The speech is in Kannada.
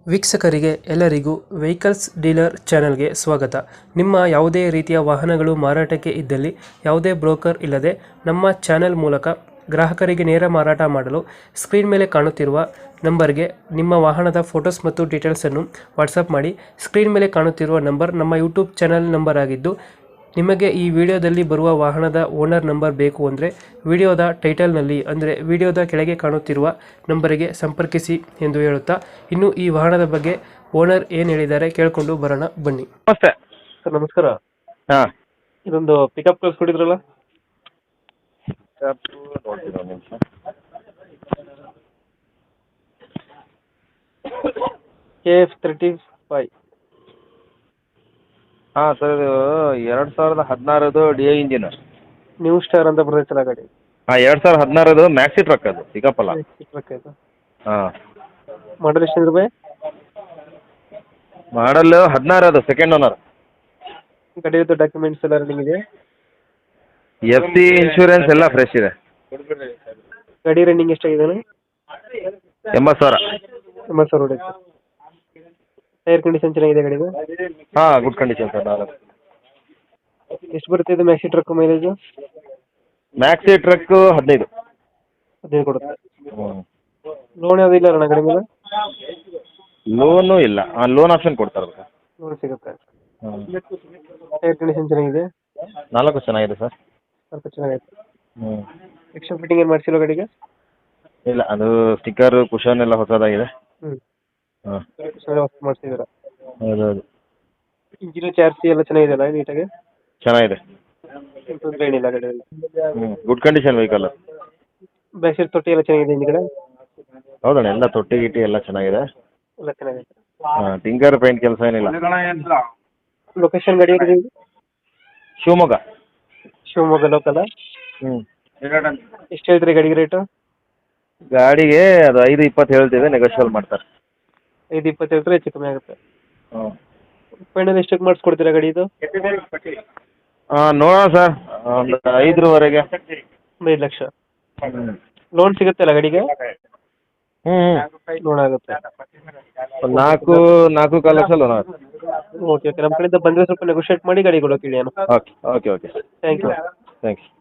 ವೀಕ್ಷಕರಿಗೆ ಎಲ್ಲರಿಗೂ ವೆಹಿಕಲ್ಸ್ ಡೀಲರ್ ಚಾನೆಲ್ಗೆ ಸ್ವಾಗತ. ನಿಮ್ಮ ಯಾವುದೇ ರೀತಿಯ ವಾಹನಗಳು ಮಾರಾಟಕ್ಕೆ ಇದ್ದಲ್ಲಿ ಯಾವುದೇ ಬ್ರೋಕರ್ ಇಲ್ಲದೆ ನಮ್ಮ ಚಾನೆಲ್ ಮೂಲಕ ಗ್ರಾಹಕರಿಗೆ ನೇರ ಮಾರಾಟ ಮಾಡಲು ಸ್ಕ್ರೀನ್ ಮೇಲೆ ಕಾಣುತ್ತಿರುವ ನಂಬರ್ಗೆ ನಿಮ್ಮ ವಾಹನದ ಫೋಟೋಸ್ ಮತ್ತು ಡೀಟೇಲ್ಸನ್ನು ವಾಟ್ಸಪ್ ಮಾಡಿ. ಸ್ಕ್ರೀನ್ ಮೇಲೆ ಕಾಣುತ್ತಿರುವ ನಂಬರ್ ನಮ್ಮ ಯೂಟ್ಯೂಬ್ ಚಾನೆಲ್ ನಂಬರ್ ಆಗಿದ್ದು, ನಿಮಗೆ ಈ ವಿಡಿಯೋದಲ್ಲಿ ಬರುವ ವಾಹನದ ಓನರ್ ನಂಬರ್ ಬೇಕು ಅಂದರೆ ವಿಡಿಯೋದ ಟೈಟಲ್ನಲ್ಲಿ ಅಂದರೆ ವಿಡಿಯೋದ ಕೆಳಗೆ ಕಾಣುತ್ತಿರುವ ನಂಬರಿಗೆ ಸಂಪರ್ಕಿಸಿ ಎಂದು ಹೇಳುತ್ತಾ, ಇನ್ನು ಈ ವಾಹನದ ಬಗ್ಗೆ ಓನರ್ ಏನು ಹೇಳಿದ್ದಾರೆ ಕೇಳಿಕೊಂಡು ಬರೋಣ ಬನ್ನಿ. ನಮಸ್ತೆ ಸರ್ ನಮಸ್ಕಾರ. ಹಾಂ ಇದೊಂದು ಪಿಕಪ್ ಕಳಿಸ್ಕೊಟ್ಟಿದ್ರಲ್ಲ, ನೋಡ್ತೀನಿ ಒಂದು ನಿಮಿಷ. KF35. ಹಾಂ ಸರ್, ಇದು 2016 D I engine. New star ಅಂತ ಬರ್ತೈತಲ್ಲ ಗಾಡಿ, ಹಾಂ 2016 ಮ್ಯಾಕ್ಸಿ ಟ್ರಕ್ ಅದು, ಪಿಕಪ್ ಅಲ್ಲ. ಹಾಂ ಮಾಡಲ್ ಎಷ್ಟು ರೂಪಾಯಿ? ಮಾಡಲ್ 16 ಅದು, ಸೆಕೆಂಡ್ ಓನರ್. ಗಾಡಿ ಡಾಕ್ಯುಮೆಂಟ್ಸ್ ಎಲ್ಲ ರನ್ನಿಂಗ್ ಇದೆ? ಎಫ್ ಸಿ ಇನ್ಶೂರೆನ್ಸ್ ಎಲ್ಲ ಫ್ರೆಶ್ ಇದೆ. ಗಾಡಿ ರನ್ನಿಂಗ್ ಎಷ್ಟಾಗಿದೆ? 80,000. 80,000 ಹೊಡೆಯುತ್ತೆ. ಟೈರ್ ಕಂಡೀಷನ್ ಚೆನ್ನಾಗಿದೆ ಗಾಡಿದು? ಹಾಂ, ಗುಡ್ ಕಂಡೀಷನ್ ಸರ್. 4 ಎಷ್ಟು ಬರುತ್ತೆ ಇದು maxi truck mileage? Maxi truck 15. 15 ಕೊಡುತ್ತೆ. ಹ್ಞೂ. ಲೋನ್ ಯಾವುದು ಇಲ್ಲ ಅಣ್ಣ ಗಾಡಿ ಮೇಲೆ? ಲೋನು ಇಲ್ಲ, ಲೋನ್ ಆಪ್ಷನ್ ಕೊಡ್ತಾರೆ ಸರ್. ಲೋನ್ ಸಿಗುತ್ತೆ. ಹ್ಞೂ. ಟೈರ್ ಕಂಡೀಷನ್ ಚೆನ್ನಾಗಿದೆ? 4 ಚೆನ್ನಾಗಿದೆ ಸರ್. ಸ್ವಲ್ಪ ಚೆನ್ನಾಗೈತೆ. ಹ್ಞೂ. ಎಕ್ಸ್ಟ್ರಾ ಫಿಟ್ಟಿಂಗ್ ಏನು ಮಾಡಿಸಿಲ್ಲ ಗಾಡಿಗೆ? ಇಲ್ಲ, ಅದು ಸ್ಟಿಕ್ಕರ್ ಕುಷನ್ ಎಲ್ಲ ಹೊಸದಾಗಿದೆ. ಹ್ಞೂ, ಹಾಂ ಹೊಸ ಮಾಡಿಸಿದ್ದೀರಾ? ಹೌದೌದು. ಇಂಜಿನ್ ಚಾರ್ಜಿ ಎಲ್ಲ ಚೆನ್ನಾಗಿದೆಯಲ್ಲ ನೀಟಾಗಿ? ಚೆನ್ನಾಗಿದೆ. ತೊಂದರೆ ಏನಿಲ್ಲ ಗಾಡಿಯಲ್ಲಿ? ಹ್ಞೂ, good condition vehicle. Back side ತೊಟ್ಟಿ ಎಲ್ಲ ಚೆನ್ನಾಗಿದೆ ಹಿಂದ್ಗಡೆ? ಹೌದಣ್ಣ, ಎಲ್ಲ ತೊಟ್ಟಿ ಗಿಟ್ಟಿ ಎಲ್ಲ ಚೆನ್ನಾಗಿದೆ. ಎಲ್ಲ ಚೆನ್ನಾಗೈತೆ. ಹಾಂ, ಟಿಂಕರ್ ಪೇಂಟ್ ಕೆಲಸ ಏನಿಲ್ಲ. ಲೊಕೇಶನ್ ಗಾಡಿ ಎಲ್ಲಿದೆ? ಶಿವಮೊಗ್ಗ. ಶಿವಮೊಗ್ಗ ಲೋಕಲ್? ಹ್ಞೂ. ಎಷ್ಟು ಹೇಳ್ತೀರಿ ಗಾಡಿಗೆ ರೇಟು? ಗಾಡಿಗೆ ಅದು 5:20 ಹೇಳ್ತೀವಿ, ನೆಗೋಷಿಯಬಲ್ ಮಾಡ್ತಾರೆ. 5:20 ಹೇಳ್ತಾರೆ, ಹೆಚ್ಚು ಕಮ್ಮಿ ಆಗುತ್ತೆ. ಹ್ಞೂ. ಫೈನಲ್ ಎಷ್ಟಕ್ಕೆ ಮಾಡಿಸ್ಕೊಡ್ತೀರಾ ಗಾಡಿ ಇದು? ನೋಡೋಣ ಸರ್, ಒಂದು 5ರವರೆಗೆ. 5 ಲಕ್ಷ. ಹ್ಞೂ. ಲೋನ್ ಸಿಗುತ್ತಲ್ಲ ಗಾಡಿಗೆ? ಹ್ಞೂ. ಲೋನ್ ಆಗುತ್ತೆ. ಒಂದು 4 ಲಕ್ಷ ಲೋನ್ ಆಗುತ್ತೆ. ಓಕೆ ಓಕೆ, ನಮ್ಮ ಕಡೆಯಿಂದ ಬಂದರೆ ಸ್ವಲ್ಪ ನೆಗೋಷಿಯೇಟ್ ಮಾಡಿ ಗಾಡಿ ಕೊಡೋಕೆ ಹೇಳಿ ಅಣ್ಣ. Okay okay okay. Thank you. Thanks.